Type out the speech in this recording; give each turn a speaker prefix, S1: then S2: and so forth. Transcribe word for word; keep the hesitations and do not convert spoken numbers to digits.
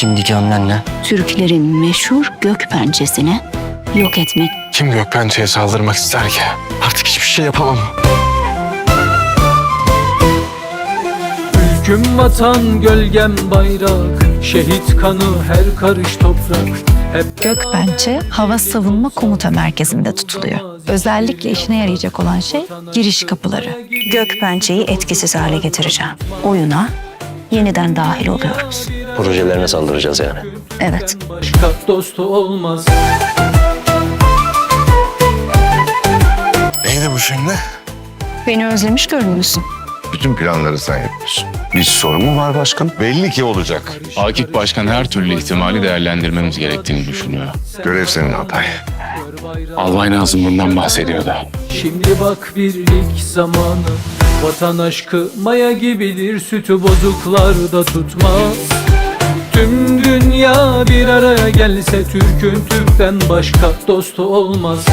S1: şimdiki hamlen ne?
S2: Türklerin meşhur Gökpençesini yok etmek.
S3: Kim Gökpençe'ye saldırmak ister ki? Artık hiçbir şey yapamam.
S4: Ülküm vatan, gölgem bayrak, şehit kanı her karış toprak. Hep
S5: Gökpençe hava savunma komuta merkezinde tutuluyor. Özellikle işine yarayacak olan şey giriş kapıları.
S2: Gökpençeyi etkisiz hale getireceğim. Oyuna yeniden dahil oluyoruz.
S1: Projelerine saldıracağız yani.
S2: Evet.
S4: başka dostu olmaz.
S3: Neydi bu şimdi?
S2: Beni özlemiş görünüyorsun.
S6: Bütün planları sen yapıyorsun. Bir sorun mu var başkanım? Belli ki olacak.
S7: Akif Başkan her türlü ihtimali değerlendirmemiz gerektiğini düşünüyor.
S6: Görev senin Altay.
S7: Albay Nazım bundan bahsediyordu.
S4: Şimdi bak birlik zamanı, vatan aşkı maya gibidir, sütü bozuklarda tutmaz. Tüm dünya bir araya gelse Türk'ün Türk'ten başka dostu olmaz.